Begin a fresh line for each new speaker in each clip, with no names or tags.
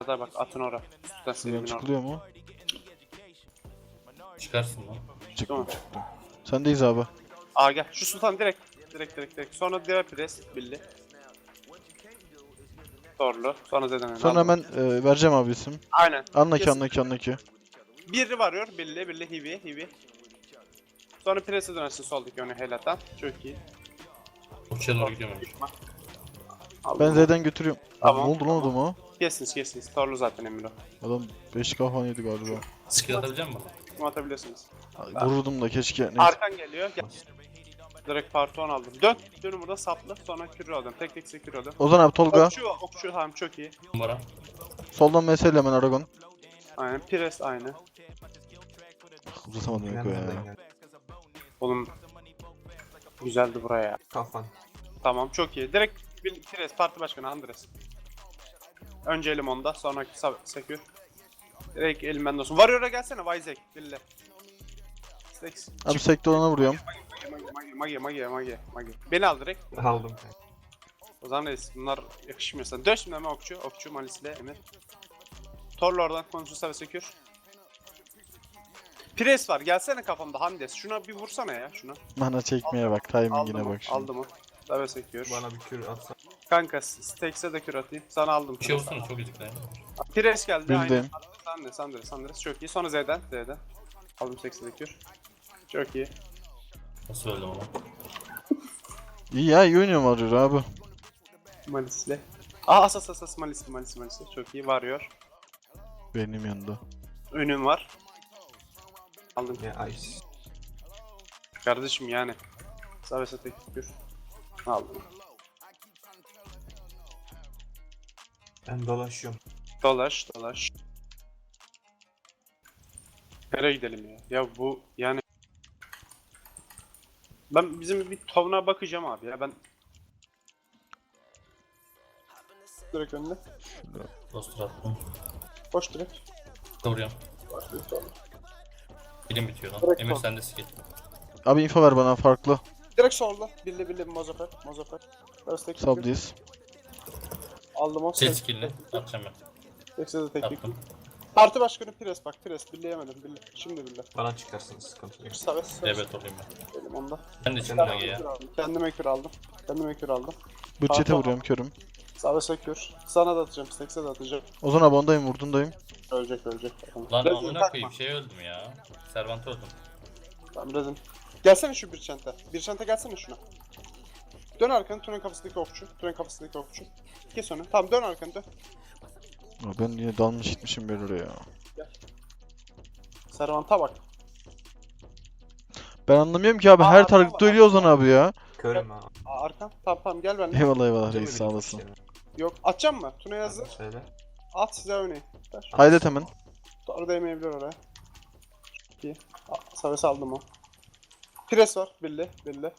Orada bak atın ora. Üstten
Buradan
Selim'in orada.
çıkılıyor mu?
Çıkarsın lan.
Çıktım
Tamam.
çıktım. Sendeyiz abi.
Aa gel. Şu sultan direkt. Sonra diğer pres billi. Torlu. Sonra Zeden.
Sonra hemen vereceğim abi isim.
Aynen.
Anlaki
Kesin.
anlaki.
Biri varıyor. Billi hivi. Sonra prese dönersin soldaki öne helatan. Çok iyi.
Okçuya doğru gidiyorum önce.
Aldım
Ben
onu.
Z'den götürüyorum.
Tamam,
Ne oldu lan adama?
Kesiniz. Torlu zaten Emiro.
Adam 5 kafan yedi galiba.
Skill atabilecek misin?
Kim atabiliyorsunuz?
Vururdum da keşke. Neyse.
Arkan geliyor. Gel. Direkt parton aldım. Dönün burada saplı. Sonra kürü aldım. Tek sekür aldım.
Ozan abi Tolga.
Okçu tamam çok iyi.
Numara.
Soldan mesele hemen Aragon.
Aynen. Pires aynı.
Uzatamadım Eko ya.
Oğlum güzeldi buraya.
Kafan.
Tamam çok iyi. Direkt Pires parti başkanı Andres. Önce elim onda, sonraki sekür. Direkt elimden olsun. Warrior'a gelsene Vizek. Bille. Stacks.
Abi sekte olana vuruyorum.
Magi. Beni al direkt.
Aldım.
O zaman reis bunlar yakışmıyor sana. Dön şimdi hemen okçu Malis'le Emir. Torlu oradan konuşursa ve sekür. Pires var gelsene kafamda Handes. Şuna bir vursana ya şuna.
Mana çekmeye bak. Timingine bak şimdi.
Aldım o. Dave sekür.
Bana bir kür atsan.
Kanka Stacks'e de kür atayım. Sana aldım.
Bir şey vursana çok gecikti.
Pires geldi
Bildim.
aynen. Sandres çok iyi. Sonra Z'den. Aldım Stacks'e de kür. Çok iyi.
Nasıl öldüm ama?
İyi ya iyi oynuyorum Warrior abi.
Malis'le. Asas Malis'le. Çok iyi varıyor.
Benim yanında.
Önüm var. Aldım.
Ya ice.
Kardeşim yani. Saves'e tek kür. Aldım.
Ben dolaşıyorum.
Dolaş. Nereye gidelim ya? Ya bu yani... Ben bizim bir tovuna bakacağım abi ya ben... Direkt önüne.
Dostur attım.
Boş direkt.
Vuruyorum. Bilim bitiyor lan.
Direkt
Emir
sol.
sende skill.
Abi info ver bana farklı.
Direkt solda. Billi Mozafer. First
Subdiz.
Aldım o.
Sil skill'ini. Atacağım ben.
Tekse de teknik.
Attım.
Parti başkanı Pires bak. Billeyemedim. Şimdi bille.
Bana çıkarsınız sıkıntı yok.
Saves.
DB olayım ben.
Elim onda.
Ben de çıktım Magi ya.
Kendime kür aldım.
Bütçete
Pardon.
vuruyorum körüm.
Saves'e kür. Sana da atacağım. Stacks'e de atacağım.
Ozan abi ondayım vurdundayım.
Ölecek.
Lan
Rezin
amına
takma.
koyayım şey öldüm ya. Servant öldüm.
Tamam Rezin. Gelsene şu bir çanta. Bir çanta gelsene şuna. Dön arkanı Turan kafasındaki okçu. Kes onu. Tamam dön arkanı dön.
Ya ben yine dalmış gitmişim bir oraya.
Servant'a bak.
Ben anlamıyorum ki abi her target'ta ölüyor Ozan abi ya.
Körüm ha.
Arkan. Tamam gel benimle.
Eyvallah reis sağ olasın.
Yok atacağım mı? Tuna'ya hazır.
Söyle.
At size örneği. Ver.
Haydet hemen.
Doğru değmeyebilir oraya. Çok iyi. Saves aldım o. Pires var. Billi.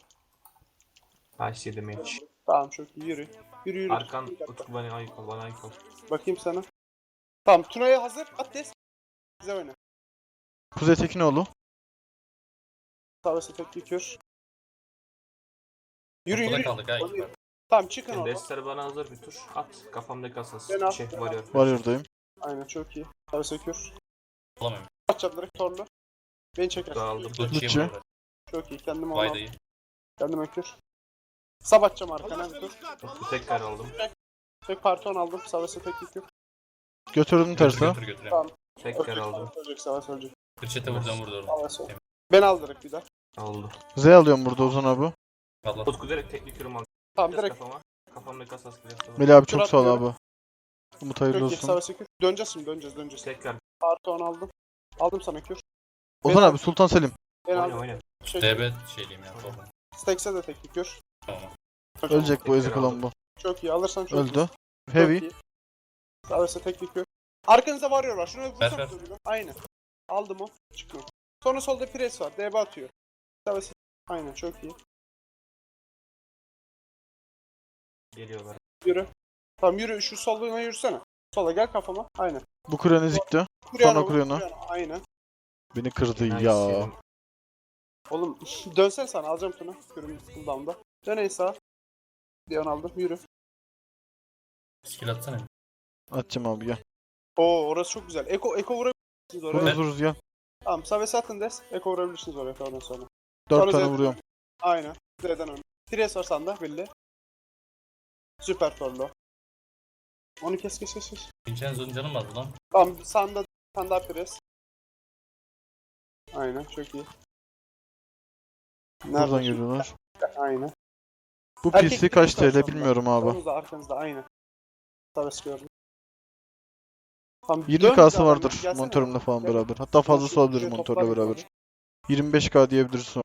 Ice yedim hiç.
Tamam çok iyi yürü.
Arkan Utku bana ayık ol.
Bakayım sana. Tamam Tuna'ya hazır. At des. Size oyna.
Kuzey Tekinoğlu.
Saves'e tek kür.
Ortada
Yürü.
kaldık ha.
Tamam çıkın
Şimdi
oradan.
destleri bana hazır bir tur. At. Kafamdaki asas.
Ben al.
Varıyor.
Warrior'dayım.
Aynen çok iyi. Saves'e kür.
Alamıyorum.
Atacağım direkt torlu. Beni çeker.
Dağıldım.
Dutçu'yu
Dutçu.
vur.
Çok iyi. Kendime onu
Vayda'yı.
Kendime kür. Sab atacağım arkana bir tur.
Utku tekrar aldım.
Tek parton aldım. Saves'e tek kür.
Götürdüm terse.
Götür.
Tamam.
Tekrar aldım.
Ölecek Saves ölecek.
Kırçete vuracağım vurdu orada.
Saves ölecek. Ben al direkt bir daha.
Oldu.
Z alıyorum burada Ozan abi.
Allah.
Utku direkt teknik kürüm aldım.
Tamam
Biraz
direkt.
kafama. Kafamdaki asas kırıyor.
Melih abi çok
Kür
sağ ol
atmıyorum.
abi. Umut hayırlı
Çok iyi.
olsun.
Saves'e kür. Döneceğiz şimdi döneceğiz.
Tekrar.
Parton aldım. Aldım sana kür.
Ozan abi Sultan Selim.
Ben
Oyna
aldım.
oyna.
DB şeyliyim ya. Tamam.
Stacks'e de tek kür.
Tamam.
Çok
Ölecek bu
Tekrar
ezik olan
aldım.
bu.
Çok iyi. Alırsan çok iyi.
Öldü.
Çok
Heavy.
iyi. Saves'e tek kür. Arkanıza varıyorlar. Şunu
Ver.
vursana. Aynen. Aldım o. Çıkmıyor. Sonra solda pres var. DB atıyor. Saves'e. Aynen çok iyi.
Geliyorlar.
Yürü. Tamam yürü. Şu solluğuna yürüsene. Sola gel kafama. Aynen.
Bu kuren ezikti.
Kuryana vur,
Kuryana.
Aynen.
Beni kırdı
Nice
ya.
yedim.
Oğlum dönsene sana. Alacağım Tuna. Kürüm cooldown'da. Dön ey sağa. Diyon aldım. Yürü.
Skill atsana.
Atacağım abi gel.
Oo orası çok güzel. Eko vurabilirsiniz oraya.
Vururuz vururuz gel.
Tamam Saves atın des. Eko vurabilirsiniz oraya oradan sonra.
4
Sonra
tane
Z'den
vuruyorum.
Aynen. Z'den ön. Tires var sanda belli. Süper torlu. Onu kes.
Vincenzo'nun canı mı azdı lan?
Tamam sanda pres. Aynen çok iyi.
Buradan
şimdi?
geliyorlar.
Aynen.
Bu
Erkek
PC kaç
Tires var
TL
sonunda.
bilmiyorum abi.
Arkanızda aynen. Saves gördüm. Tamam,
20K'sı
dön
vardır
bir daha, gelsene.
monitörümle falan
Gel.
beraber. Hatta fazlası
Şuraya
olabilir monitörle
toplar
beraber.
yukarı.
25K diyebilirsin.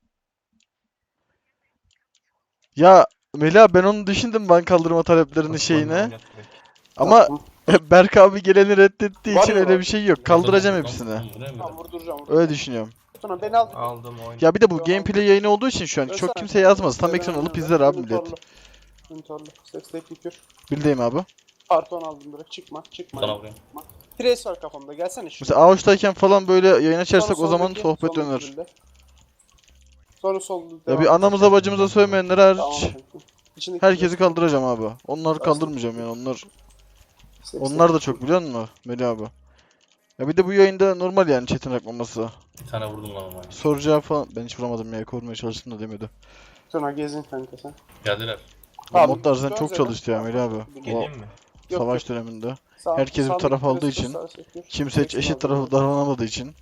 Ya Melih ben onu düşündüm ben kaldırma taleplerinin şeyine.
Oynat direkt.
Ama
Tamam.
Berk abi geleni reddettiği
Var
için
ya
öyle
var.
bir şey yok. Kaldıracağım hepsini.
Bu ne
Tamam
böyle?
vurduracağım.
Öyle düşünüyorum.
Sonra beni al.
Aldım oyun.
Ya bir de bu
Yok,
gameplay yayını olduğu için şu an
Dönsene
çok kimse
kanka.
yazmaz. Tam
Z'den
ekran alıp
oynuyorum
izler
ben.
abi millet.
Monitorlu. Sesle kür.
Bildeyim abi.
Karton aldım direkt. Çıkma.
Sana vuruyorum.
Trace var kafamda. Gelsene şuraya.
Mesela Ağustos'tayken falan böyle yayın açarsak
Sonra
o zaman
soldaki,
sohbet
soldaki
döner.
birle. Sonra sol
Ya
devam
bir
et.
anamıza bacımıza sövmeyenler
Tamam.
hariç
kanka. İçindeki
herkesi
trace-
kaldıracağım abi. Onları
Tamam.
kaldırmayacağım yani onlar.
Sesle
Onlar da
kür.
çok biliyor musun Melih abi? Ya bir de bu yayında normal yani chat'in akmaması.
Bir tane vurdum lan ama.
Soru cevap falan ben hiç vuramadım ya korumaya çalıştım da demedi.
Sonra gezin kanka sen.
Geldiler.
Bu
Tamam,
modlar zaten
dön
çok
Z'den.
çalıştı ya Melih abi.
Yok,
O
Geleyim mi?
savaş döneminde.
Sağ-
herkes bir
sağdaki
taraf aldığı
trace
için,
sağ sekür.
Kimse hiç
Seksin
eşit
aldım.
tarafı davranamadığı için.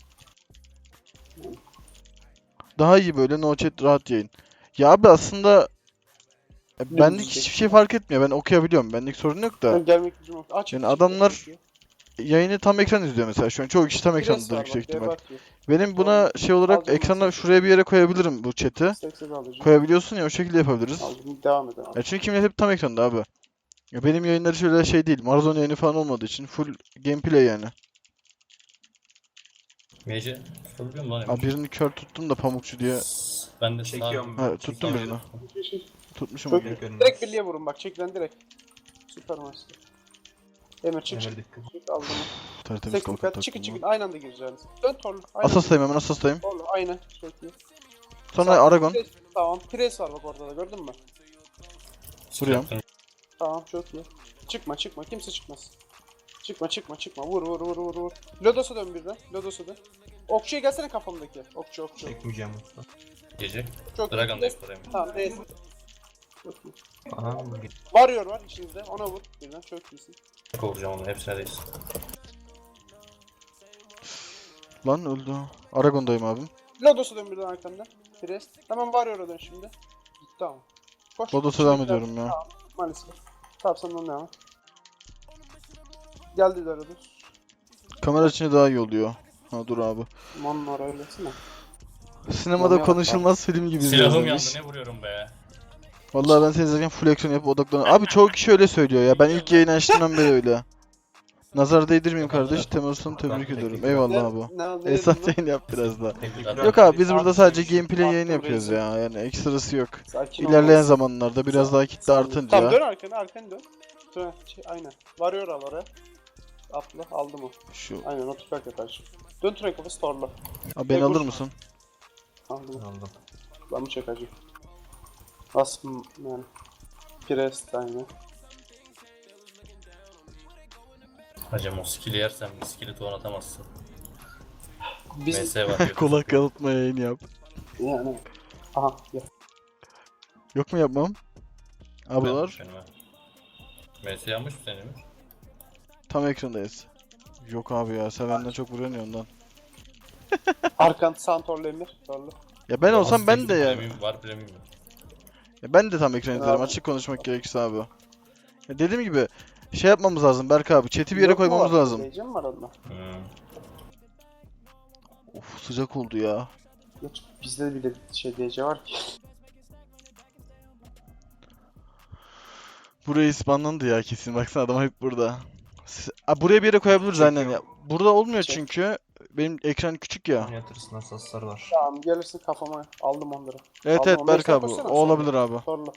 Daha iyi böyle no chat rahat yayın. Ya abi aslında benlik hiçbir şey fark etmiyor. Ben okuyabiliyorum. Benlik sorun yok da.
Ben gelmek gücüm yok. Aç.
Yani
çık,
adamlar
çok iyi.
yayını tam ekran izliyor mesela şu an. Çoğu kişi tam
Trace
ekrandadır
var
yüksek
bak,
ihtimal.
dev atıyor.
Benim buna şey olarak
Alacağım
ekrana
mesela.
şuraya bir yere koyabilirim bu chat'i.
Seksen alacağım.
Koyabiliyorsun ya o şekilde yapabiliriz.
Aldım. Devam edelim.
Ya çünkü millet hep tam ekranda abi. Ya benim yayınları şöyle şey değil. Marathon yayını falan olmadığı için full gameplay yani.
Mece tutabiliyor musun lan?
Abi birini kör tuttum da pamukçu diye.
Ben de
Çekiyorum.
Ha, tuttum
Çekiyorum.
birini. Tutmuşum
Çok
onu.
iyi.
Görünmez.
Direkt birliğe vurun bak. Çekilen direkt. Süper master. Emir çık.
Emir dikkat.
Çık aldım.
Tertemiz
80
kalkan
kat. Çıkın
taktım.
çıkın. Aynı anda gireceğiniz. Dön torlu. Aynen.
Asastayım hemen asastayım.
Torlu. Aynen. Çok iyi.
Sonra
Sağ-
Aragon.
Pres- Tamam. Pres var bak orada da gördün mü?
Vuruyorum.
Tamam çok iyi. Çıkma. Kimse çıkmaz. Çıkma. Vur. Lodos'a dön birden. Lodos'a dön. Okçuya gelsene kafamdaki. Okçu.
Çekmeyeceğim usta.
Gece.
Çok iyi.
Dragon da ekstrayım.
Tamam neyse. Çok iyi.
Aha.
Warrior var içinizde. Ona vur. Birden çok iyisin.
Kovacağım onu. Hepsine değilsin.
Lan öldü. Aragon'dayım abim.
Lodos'a dön birden arkamda. Pres. Hemen Warrior'a dön şimdi. Tamam. Koş.
Lodos'a devam ediyorum ya.
Maalesef. Tamam sen ondan devam et. Geldi de Lodos.
Kamera içinde daha iyi oluyor. Ha dur abi.
Mon'un oraya öylesine.
Sinemada
Oluyor.
konuşulmaz film gibi izliyoruz
Silahım
demiş.
yandı. Ne vuruyorum be?
Vallahi ben seni izlerken full action yapıp odaklanıyorum. Abi çoğu kişi öyle söylüyor ya. Ben ilk yayını açtığımdan beri öyle. Nazar değdirmeyeyim kardeş. Temasını tebrik ediyorum. Eyvallah abi.
Ne
Esat
dedin lan?
yayın yap biraz daha.
Tekrar.
Yok abi biz burada
Abi,
sadece gameplay
attım
yayını yapıyoruz
reisi.
ya. Yani ekstrası yok.
Sakin
İlerleyen
olmaz.
zamanlarda biraz daha kitle
Tamam
artınca.
dön arkanı dön. Dön. Aynen. Warrior al oraya. Atla aldım o.
Şu.
Aynen o tüfek yapar. Dön tüfek kafası torla.
Abi beni alır mısın?
Aldım.
Aldım.
Ben mi çekeceğim? Asım yani. Prest aynen.
Hacım o skill'i yersen bir skill'i tuğan atamazsın.
Biz
MS var.
Kulak kalıtma yayını yap.
yani. Aha ya.
Yok mu yapmam? Abi var.
MS yanmış mı senin?
Tam ekrandayız. Yok abi ya sen benden çok vuruyorsun ya ondan.
Arkan sağ torlu emir. Torlu.
Ya ben olsam ben de yani.
Var premium.
Ya ben de tam ekran izlerim
Abi.
açık konuşmak gerekirse abi. Ya dediğim gibi şey yapmamız lazım Berk abi. Chat'i bir yere
Yok mu
koymamız
var?
lazım.
Heyecan var onda.
Of sıcak oldu ya.
Geç, bizde bile şey DC var ki.
Buraya ispanlandı ya kesin. Baksana adam hep burada. Buraya bir yere koyabiliriz aynen ya. Burada olmuyor
Çek.
çünkü benim ekran küçük ya.
Oynatırsın asaslar var.
Tamam gelirsin kafama aldım onları.
Evet
Aldım
evet
onları.
Berk
Sen
abi.
koşsana,
O
sen
olabilir abi.
Torlu.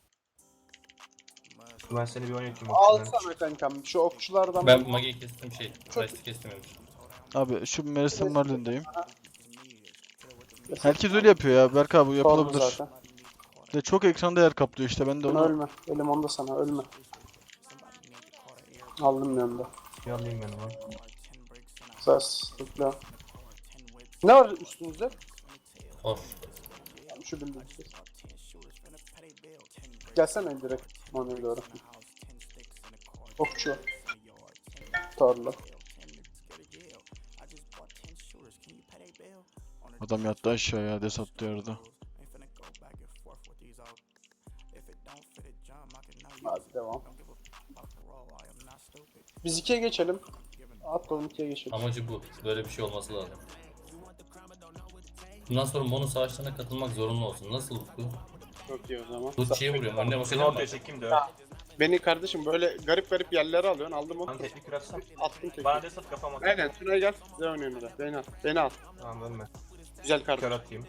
Ben seni bir oynatayım.
Alsana kankam şu okçulardan.
Ben Magi'yi kestim Price'ı kestim.
Abi şu Merisin Marlin'deyim. Herkes öyle yapıyor ya Berk abi
Torlu
yapılabilir.
zaten.
De çok ekranda yer kaplıyor işte ben de
Sen
onu.
ölme. Elim onda sana ölme. Aldım yanında.
Bir alayım ben onu.
Sas. Tıkla. Ne var üstünüzde?
Hoş.
Şu bildiğin şey. Gelsene direkt manuel doğru. Okçu. Tarla.
Adam yattı aşağıya, des attı yerde.
Hadi devam. Biz 2'ye geçelim. Atlayalım 2'ye geçelim.
Amacı bu. Böyle bir şey olması lazım. Bundan sonra Mono savaşlarına katılmak zorunlu olsun. Nasıl bu?
Çok iyi o zaman.
Butçi'ye vuruyorum. Önüne
Seni
bakacağım
ortaya
ben.
çekeyim de öyle.
Beni kardeşim böyle garip garip yerlere alıyorsun. Aldım onu.
Ben teknik kırarsam.
Attım tekrar.
Bana des at kafama.
Aynen. Şuraya gel. Size oynuyorum da. Beni al. Beni al.
Tamam dönme.
Güzel
Kör
kardeşim.
atayım.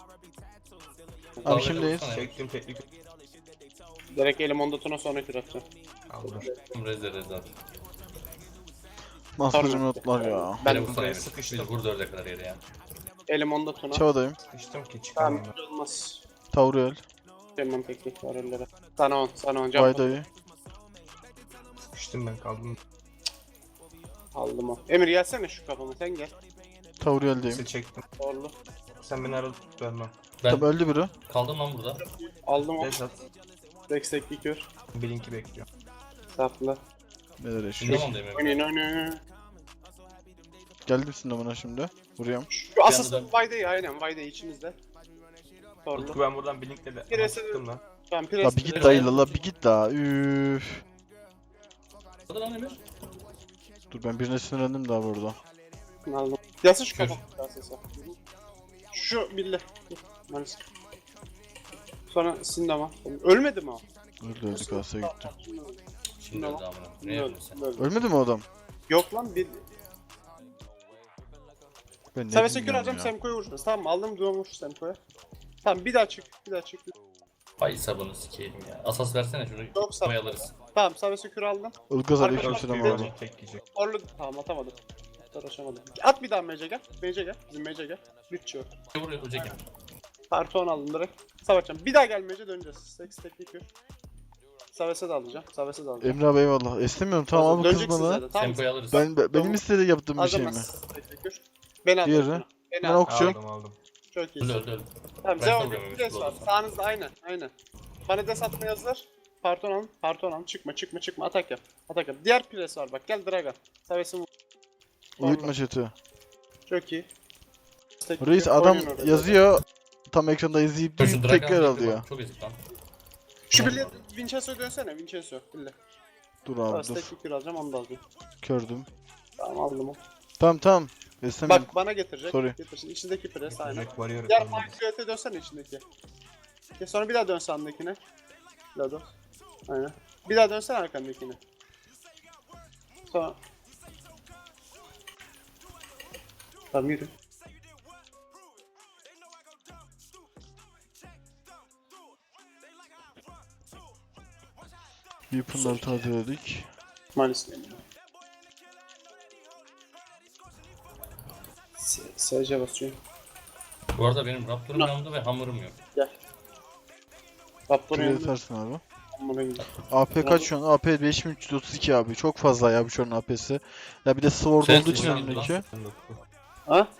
Abi kimdeyiz?
Çektim teknik.
Direkt elim onda tuna sonra kür atacağım.
Aldım.
Rezil.
Maskacım notlar ya.
Ben
Beni vursana
buraya
Emir.
sıkıştım.
Biz vur 4'e kadar yere ya.
elim onda tuna.
Çavadayım.
Sıkıştım ki
Tamam
çıkamam.
hiç olmaz.
Tauriel.
Gelmem teknik var ellere. Sana 10 can.
Vaydayı.
Sıkıştım ben kaldım.
Aldım o. Emir gelsene şu kafama sen gel.
Tauriel'deyim.
Sizi çektim.
Doğru.
Sen beni arada tut vermem.
Ben
Tabi öldü biri.
kaldım lan burada.
Aldım o.
Des at.
Destekli kür.
Blink'i bekliyor.
Sapla.
Neler yaşıyor?
Şimdi mi
Oynayın
Emir?
oynayın.
Geldim buna şimdi. Vuruyorum.
Şu asasın Vayde'yi aynen Vayde'yi içinizde.
Utku
Torlu.
ben buradan Blink'le de
Bir
ama
ese-
sıktım lan.
Tamam
La
pres.
bir git dayı la bir git la. Üf.
Hadi lan Emir.
Dur ben birine sinirlendim daha burada.
Aldım. Yasın şu
Kür.
kafama. Asasa. Şu bille. Maalesef. Sonra Sindama. Ölmedi mi o?
Öldü kasaya gitti.
Şimdi öldü amına. Ne yapıyorsun sen?
Öldü.
Ölmedi mi o adam?
Yok lan bir.
Ben ne
Savaşa kür
bilmiyorum
alacağım
ya.
Semko'ya vuracağız. Tamam aldım duvarmış Semko'ya. Tamam bir daha çık. Bir daha çık.
Ay sabunu sikeyim ya. Asas versene şunu.
Yok, sap.
Koyalırız.
Tamam Savaşa kür aldım.
Ilgaz
Arkadaşlar,
aleykümselam
bir
abi.
Blink'i tek yiyecek.
Orlu tamam atamadım. Uğraşamadım. At bir daha Mage'e gel. Mage'e gel. Bizim Mage'e gel. Bütçe yok.
Vuruyor Uceki.
Parti 10 aldım direkt. Savaşacağım. Bir daha gel Mage'e döneceğiz. Seks teknik yok. Savaş'a da alacağım. Savaş'a da alacağım.
Emre abi eyvallah. İstemiyorum tamam abi kız
Döneceksin
bana.
zaten, tamam mı?
Tempoyu alırız.
Benim
Tamam.
istediği yaptığım bir şey mi?
Alacağım ben teknik yok. Beni al.
Diğeri?
Beni
Ben
al.
okçu.
Aldım.
Çok iyi.
Öldü.
Tamam
Ben
Zeon
salıyorum,
bir des var.
olursa.
Sağınızda aynen. Bana des atmaya hazır. Parton alın. Çıkma. Atak yap. Diğer pres var bak. Gel Draga. Savaş'ın
Uyutma chat'i.
çok iyi.
Reis adam
Oyun orada.
yazıyor. Tam ekranda izleyip
Dur şu
tekrar
Dragan
alıyor.
Çok ezik lan.
Şu birliğe Vincenzo'ya dönsene. Vincenzo. Birliğe.
Dur
Tamam
abi dur.
teknik kür alacağım onu da alacağım.
Kördüm.
Tamam aldım o.
Tamam. İstemiyorum.
Bak bana getirecek.
Sorry.
Getirsin. İçindeki pres aynen.
Jack varıyor.
Diğer Markiyete dönsene içindeki. Sonra bir daha dön sandakine. Lado. Aynen. Bir daha dönsene arkandakine. Sonra. Tamam yürü.
Weapon'ları tazeledik.
Maalesef. SC basıyor.
Bu arada benim Raptor'um yanımda ve Hammer'ım yok.
Gel. Raptor'un
Şuraya
yanında.
atarsın abi.
Amına gidiyor.
AP kaç şu an? AP 5332 abi. Çok fazla ya bu şu an AP'si. Ya bir de Sword
Sen
olduğu için
kullandın
önündeki.
Ha?